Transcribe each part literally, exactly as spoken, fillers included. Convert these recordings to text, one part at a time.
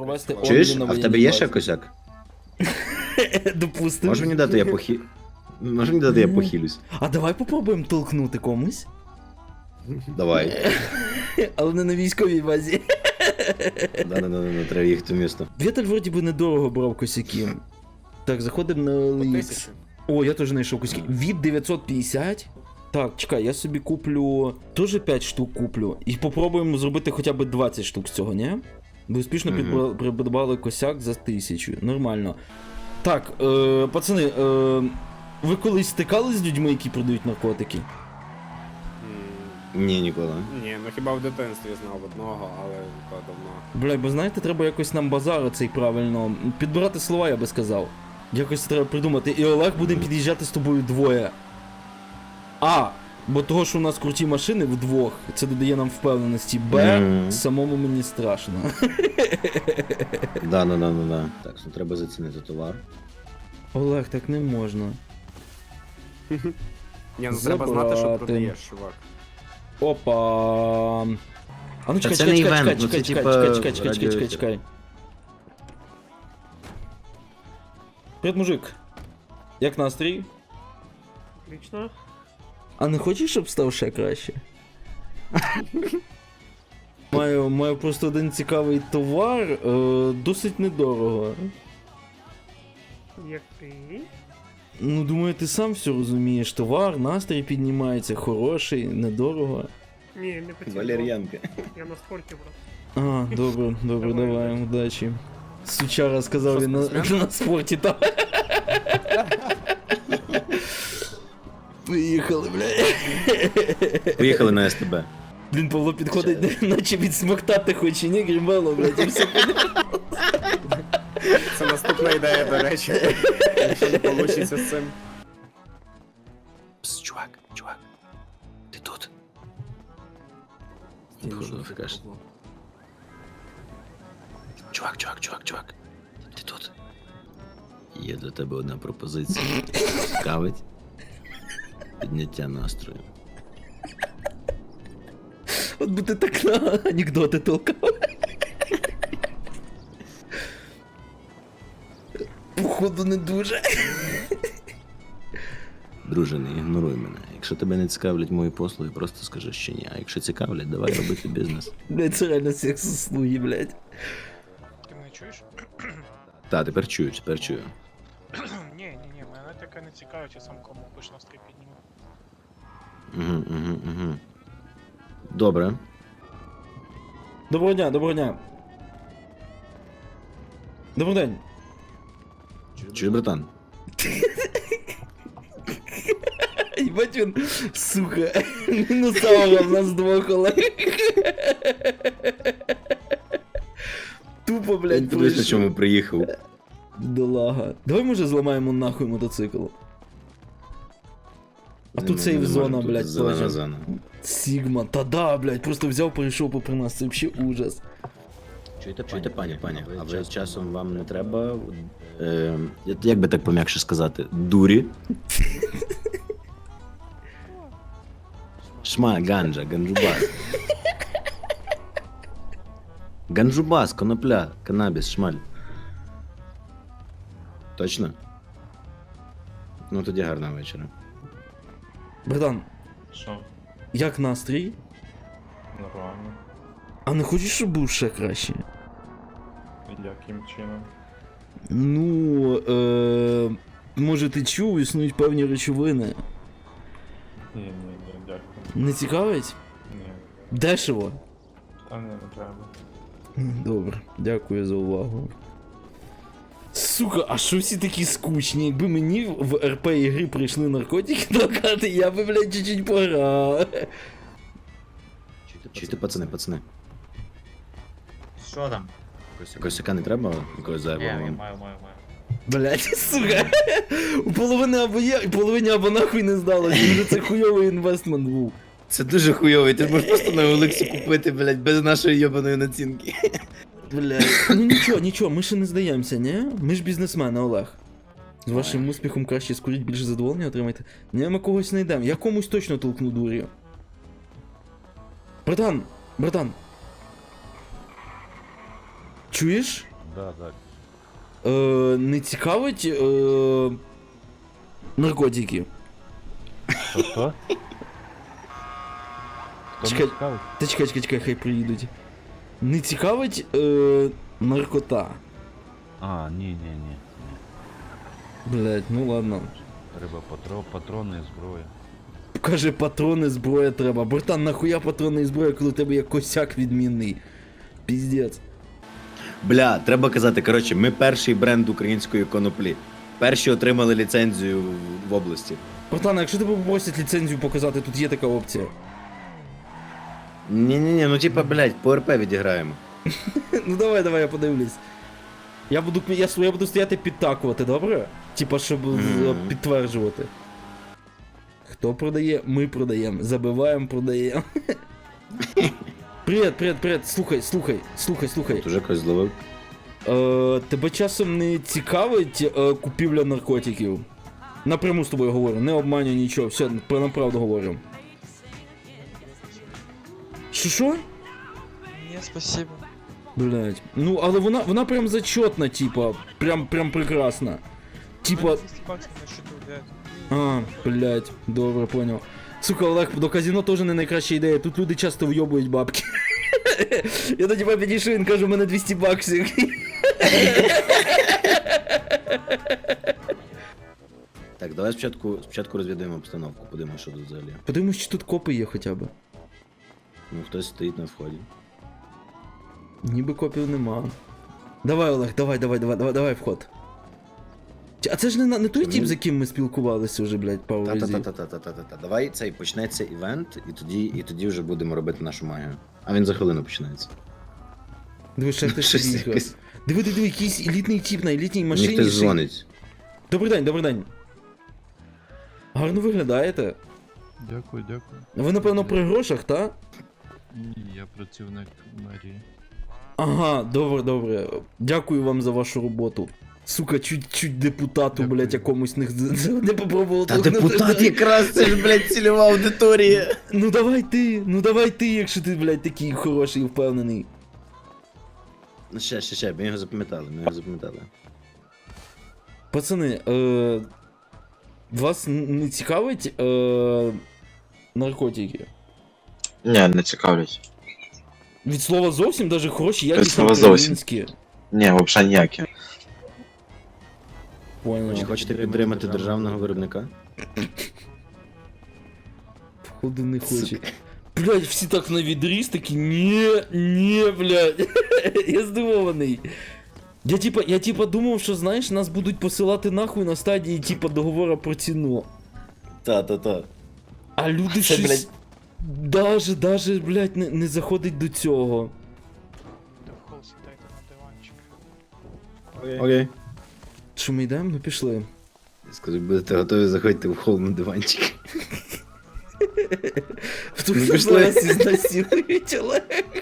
провести Чуєш? обмін на А в тебе воєнній є базі. ще косяк? Допустим. Може мені дати, я похі... Може мені дати, я похилюсь? А давай попробуємо толкнути комусь. Давай. Але не на військовій базі. Да-да-да, треба їхати в місто. Вєтель вроді би недорого брав косяки. Так, заходимо на По Елікс. тисячі. О, я теж знайшов косяки. Від дев'ятсот п'ятдесят. Так, чекай, я собі куплю. Теж п'ять штук куплю. І попробуємо зробити хоча б двадцять штук з цього, ні? Ви успішно Мгм. підбра- придбали косяк за тисячу. Нормально. Так, е, пацани, е, ви колись стикались з людьми, які продають наркотики? М, Ні, ніколи. Ні, ну хіба в дитинстві знав одного, але то давно. Бля, бо знаєте, треба якось нам базар цей правильно. Підбирати слова, я би сказав. Якось треба придумати. І Олег, будемо під'їжджати з тобою двоє. А, бо того, що у нас круті машини вдвох, це додає нам впевненості. Б, Мгм. самому мені страшно. Да-да-да-да-да. Так, ну треба зацінити товар. Олег, так не можна. Ні, ну треба знати, що Забрати. продаєш, чувак. Опа. А ну Та чекай, це чекай, не чекай, івент, чекай, ну це чекай, типа чекай, чекай, чекай, чекай, чекай, радіоефір. чекай. Привіт, мужик. Як настрій? Отлично. А не хочеш, щоб став ще краще? Маю, маю просто один цікавий товар, е, досить недорого. Який? Ну, думаю, ти сам все розумієш. Товар, настрій піднімається, хороший, недорого. Ні, не поцілував. Валер'янка. Я на спорті, брат. А, добре, добре, Давай, давай, удачі. удачі. Сучара сказав Що, він на, спортсмен? на спорті там. Поїхали, бля. Поїхали на СТБ. Блін, Павло підходить, наче відсмоктати хоче, ні, грімело, блядь, і все. Це наступна ідея, до речі. Якщо не вийде з цим. Пс, чувак, чувак. Ти тут? Походу, нафікаш. Чувак, чувак, чувак, чувак. Ти тут? Є для тебе одна пропозиція. Цікавить? Підняття настрою. От би ти так на анекдоти толкав. Походу не дуже. Друже, не ігноруй мене. Якщо тебе не цікавлять мої послуги, просто скажи, що ні. А якщо цікавлять, давай робити бізнес. Блядь, це реально секс услуги, блядь. Ти мене чуєш? Та, тепер чую, тепер чую. Ні, ні, ні, мене таке не цікавить, я сам кому пиш настрій підніму. Угу, угу, угу. Добре. Доброго дня, доброго дня. Добрий день. Чуєш, братан? Єбать він, сука, мінусавра в нас двох, Олег. Тупо, блядь, Подивись, на пройшов. чому приїхав. Долага. Давай, може, зламаємо нахуй мотоцикл. А Не, тут не, сейф не зона, можемо, тут блядь, зелена теж. зона. Сігма, та да, блядь, просто взяв, перейшов попри нас, це взагалі ужас. Чуєте, Чуєте, пані, пані, а ви часом вам не треба, е, як би так пом'якше сказати, дурі? Шма, ганджа, ганджубас. Ганджубас, конопля, канабіс, шмаль. Точно? Ну тоді гарного вечора. Братан, Що? як настрій? Нормально. А не хочеш, щоб був ще краще? Яким чином? Ну, е, може ти чув, існують певні речовини. Ні, ні, ні, дякую. Не цікавить? Ні. Дешево. Та не, не треба. Добре, дякую за увагу. Сука, а що всі такі скучні? Якби мені в РП ігри прийшли наркотики толкати, я би, блядь, чуть-чуть пограв. Чуєте, пацани, пацани. Що там? Косяка не треба, якогось Ні, зайвого я вам? маю, маю, маю. Блядь, сука. У половини або є, і половині або нахуй не здалося. Вже це хуйовий інвестмент був. Це дуже хуйовий, ти можеш просто на Олексі купити, блядь, без нашої йобаної націнки. Блядь. Ну нічого, нічого, ми ще не здаємося, ні? Ми ж бізнесмени, Олег. З вашим успіхом краще скуріть, більше задоволення отримайте. Ні, ми когось знайдемо. Я комусь точно толкну дур'ю. Братан, братан. Чуєш? да, так. Е, не цікавить е, наркотики? Що, що? Хто Чекай. не цікавить? Та чекай, чекай, чекай, хай приїдуть. Не цікавить е, наркота? А, ні, ні, ні. Блять, ну ладно. Треба патро, патрони, зброя. Каже, патрони, зброя треба. Братан, нахуя патрони і зброя, коли у тебе є косяк відмінний? Піздець. Бля, треба казати, коротше, ми перший бренд української коноплі. Перші отримали ліцензію в області. Братан, а якщо тебе попросять ліцензію показати, тут є така опція. Ні-ні-ні, ну типа, блядь, по РП відіграємо. Ну давай, давай, я подивлюсь. Я буду, я, я буду стояти підтакувати, добре? Типа, щоб Мгм. з- підтверджувати. Хто продає? Ми продаємо. Забиваємо, продаємо. Привіт, привіт, привіт. Слухай, слухай, слухай, слухай. Тут уже когось зловив. Е, тебе часом не цікавить е, купівля наркотиків? Напряму з тобою говорю, не обманюю нічого, все, про направду говорю. Що що? Ні, спасибо. Блять. Ну, але вона, вона прям зачетна, типа, прям, прям прекрасна. Типа, двісті баксів на счету, блядь. а, блять, добре, понял. Сука, Олег, до казино теж не найкраща ідея, тут люди часто вйобують бабки. Я до тебе підійшов, він каже, у мене двісті баксів. Так, давай спочатку, спочатку розвідаємо обстановку, подивимося, що тут взагалі. Подивимось, чи тут копи є хоча б. Ну, хтось стоїть на вході. Ніби копів нема. Давай, Олег, давай, давай, давай, давай, давай вход. Чи- А це ж не, на- не той Ні. тип, з яким ми спілкувалися вже, блядь, пару разів. Та-та-та-та-та-та-та-та. Давай цей почнеться івент, і тоді, і тоді вже будемо робити нашу магію. А він за хвилину починається. Диви, ще хтось Щось під'їхав. якось. Диви, диви, диви, якийсь елітний тип на елітній машині. Мені хтось сидить. дзвонить. Добрий день, добрий день. Гарно виглядаєте. Дякую, дякую. Ви, напевно, при грошах, та? Ні, я працівник мерії. Ага, добре, добре. Дякую вам за вашу роботу. Сука, чуть-чуть депутату, Дякую. блядь, якомусь не, не попробував. Та толкнути. депутат якраз, це ж, блядь, цільова аудиторія. Ну давай ти, ну давай ти, якщо ти, блядь, такий хороший і впевнений. Ну ще, ще, ще, ми його запам'ятали, ми його запам'ятали. Пацани, е, вас н- не цікавить е, наркотики? Ні, не цікавлять. Від слова зовсім, даже хороші, якісні слова зовсім. українські. Ні, взагалі ніякі. Понял. Чи хочете підтримати державного виробника? Походу не хоче. Блядь, всі так на відріз, такі, ні, ні, блядь. Я здивований. Я типа, я типа думав, що знаєш, нас будуть посилати нахуй на стадії типа договора про ціну. Та-та-та. А люди Це, щось блядь. даже, даже, блядь, не, не заходить до цього. Та в хол сідайте на диванчик. Окей. Що ми йдемо? Ну пішли. Скажи, будете готові заходити в хол на диванчик. Хто Ну, нас пішли. зараз ізнасилують, Олег?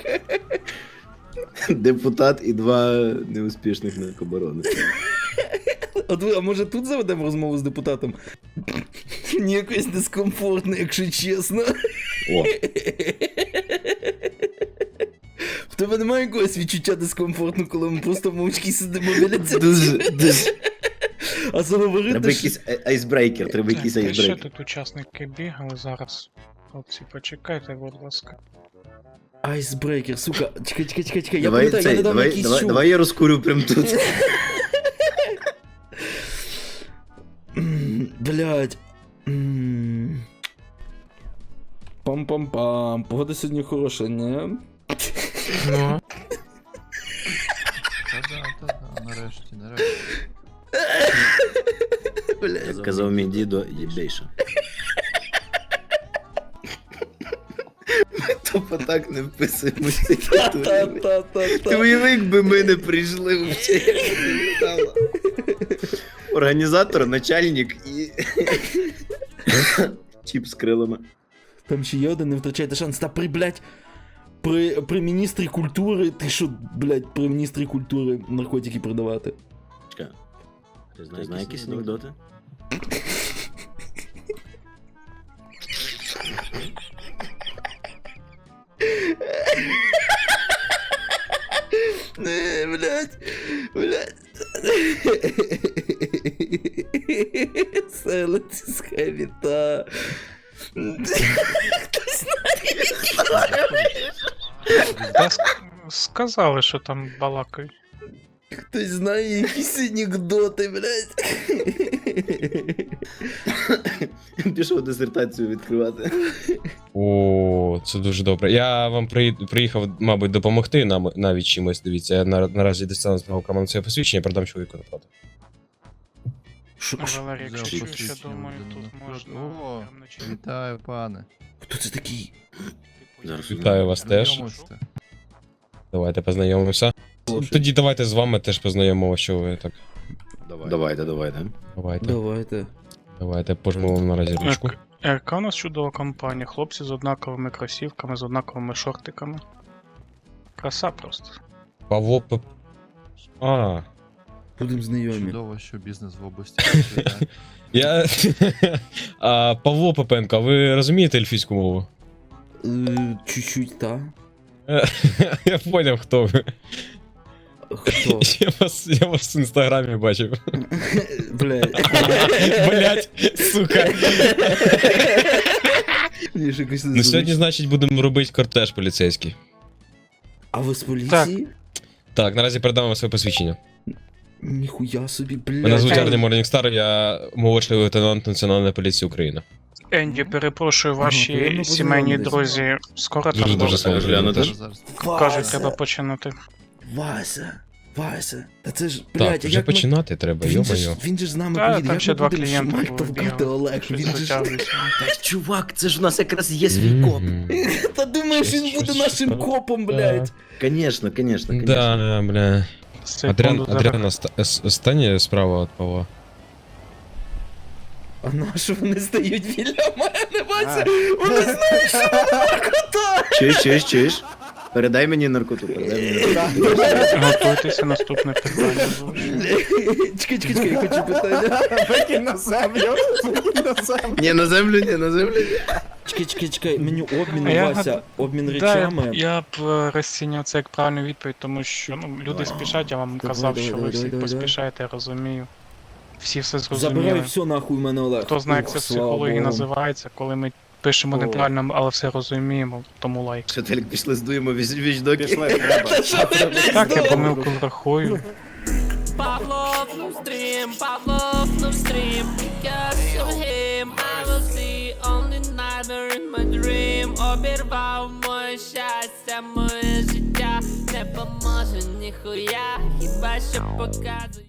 Депутат і два неуспішних наркобарони. От ви, а може тут заведемо розмову з депутатом? Мені якось дискомфортно, якщо чесно. О, В тебе немає якогось відчуття дискомфортно, коли ми просто мовчки сидимо біля цього? дуже, дуже. А заговорити, Треба що... якийсь ай- айсбрейкер, треба якийсь Так, і ще айсбрейкер. тут учасники бігали зараз. Хлопці, почекайте, будь ласка. Айсбрейкер, сука, чекай, чекай, чекай, чекай, я Давай пам'ятаю, я цей, недавно давай, якийсь давай, чув. давай я розкурю прям тут. М, Блядь. М. Пам-пам-пам, погода сьогодні хороша, не? Ну. Та-да, та-да, нарешті, нарешті. Блядь. Казав мій дідо, єбейша. Ми тупо так не вписуємося. Ти Та-та-та-та. уяви, якби ми не прийшли взагалі, як це виглядало. Організатор, начальник і... Чіп з крилами. Там ще є один, не втрачайте шанс. Та при, блядь, при, при міністрі культури, ти що, блядь, при міністрі культури наркотики продавати? Чекай. Ти знаєш якісь анекдоти? Не, блядь. Блядь. Silence is heavy, та. Та ск- сказали, що там балакають. Хтось знає якісь анекдоти, блядь. Пішов дисертацію відкривати. О, це дуже добре. Я вам при... приїхав, мабуть, допомогти нам навіть чимось. Дивіться, я на... наразі дістану з мого карману своє посвідчення, продам чоловіку напроти. Валерій, якщо Взяв чуєш, я посвідчення думаю, людини тут напроти. можна О, прям на чим. Вітаю, пане. Хто це такий? Типу, Зараз. Вітаю вас теж. Знайомишся? Давайте познайомимося. Тоді давайте з вами теж познайомимося, що ви так. Давайте, давайте. Давайте. Давайте. Давайте пожму вам наразі ручку. Як- Яка у нас чудова компанія? Хлопці з однаковими кросівками, з однаковими шортиками. Краса просто. Павло П... А, Будемо знайомі. Чудово, що бізнес в області процвітає. я... а, Павло Попенко, а ви розумієте ельфійську мову? Е, Чуть-чуть, та. Я поняв, хто ви. Хто? Я вас, я вас в інстаграмі бачив. Блядь. Блять, сука. Мені ж якось Ну незручно. сьогодні, значить, будемо робити кортеж поліцейський. А ви з поліції? Так, наразі передам вам своє посвідчення. Ніхуя собі, блядь. Мене звуть Ей. Арні Морнігстар, я молодший лейтенант Національної поліції України. Енді, перепрошую, Ага, ваші приємно сімейні познайомитись. друзі скоро Дуже там дуже будуть? сильно глянути. Зараз, зараз. Кажуть, Вася, треба починати. Вася, Вася. Та це ж, блядь, Так, а вже як ми... починати треба, Він же, ж, йо-моє. він же ж з нами Та, поїде, там як ще ми два будемо клієнти шмаль було, товкати, бігали. Олег, Щось він же ж... затягується. Та чувак, це ж у нас якраз є свій коп. Мгм. Та думаєш, Щось- він буде щось нашим так. копом, блядь. Конечно, конечно, конечно. Да, да, бля. Секунду, Адріан, зараз. Адріан, оста- ос- останнє справа від Павла. А на що вони стають біля мене, Вася? А. Вони знають, що вона наркота. Чуєш, чуєш, чуєш? Передай мені наркоту, передай мені наркоту. Готуйтеся, наступне питання. буде. Чекай, чекай, чекай, я хочу питання. Викинь на землю. Викинь на землю. Ні, на землю, ні, на землю. ні. Чекай, чекай, чекай, мені обмін, А я Вася, гад- обмін Да, я, речами. б- я б е, розцінював це як правильну відповідь, тому що ну, люди спішать, я вам Давай, казав, давай, що ви давай, всі давай, давай. поспішаєте, я розумію. Всі все Забирай зрозуміли. все нахуй в мене, Олег. Хто знає, як Ух, це в слава психології Богу. називається, коли ми пишемо О. неправильно, але все розуміємо, тому лайк. Що, Телік, пішли здуємо віч- вічдоки. Пішли, треба. Так, я помилку врахую. Pavlov, no stream, Pavlov, no stream. Because of him, I will see only nightmare in my dream. Обірвав моє щастя, моє життя не поможе ніхуя, хіба що показує.